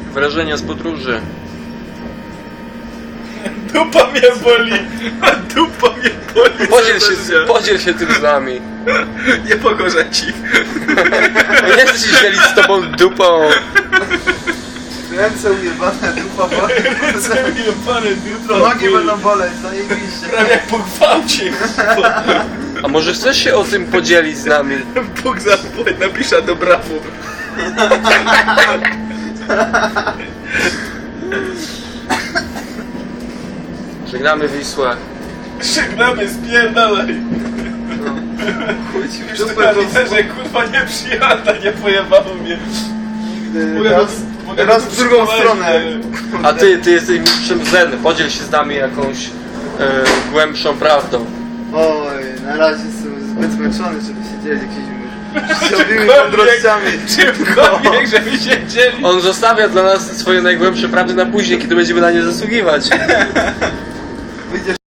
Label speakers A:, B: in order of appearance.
A: Wrażenia z podróży.
B: Dupa mnie boli! Dupa mnie boli!
A: Podziel się tym z nami.
B: Nie pogorzę ci.
A: Nie chcę się dzielić z tobą dupą.
C: Ręce ujebane, dupa boli.
B: Jebane jutro.
C: Nogi będą boleć, zajebiście.
B: Prawie jak po gwałcie.
A: A może chcesz się o tym podzielić z nami?
B: Bóg zapłać, napisze do brawu.
A: Żegnamy Wisłę.
B: Żegnamy, spierdalaj.
C: Chuj ci w
B: Już
C: dupę,
B: na
C: to
B: literze kurwa nie przyjada, nie pojebało mnie.
C: raz w drugą stronę.
A: A ty jesteś mistrzem zen. Podziel się z nami jakąś głębszą prawdą.
C: Oj, na razie jestem zbyt zmęczony, żeby się dzielić jakimiś życiowymi mądrościami.
B: Czymkolwiek, żeby się dzielić.
A: On zostawia dla nas swoje najgłębsze prawdy na później, kiedy będziemy na nie zasługiwać.
C: Wyjdziesz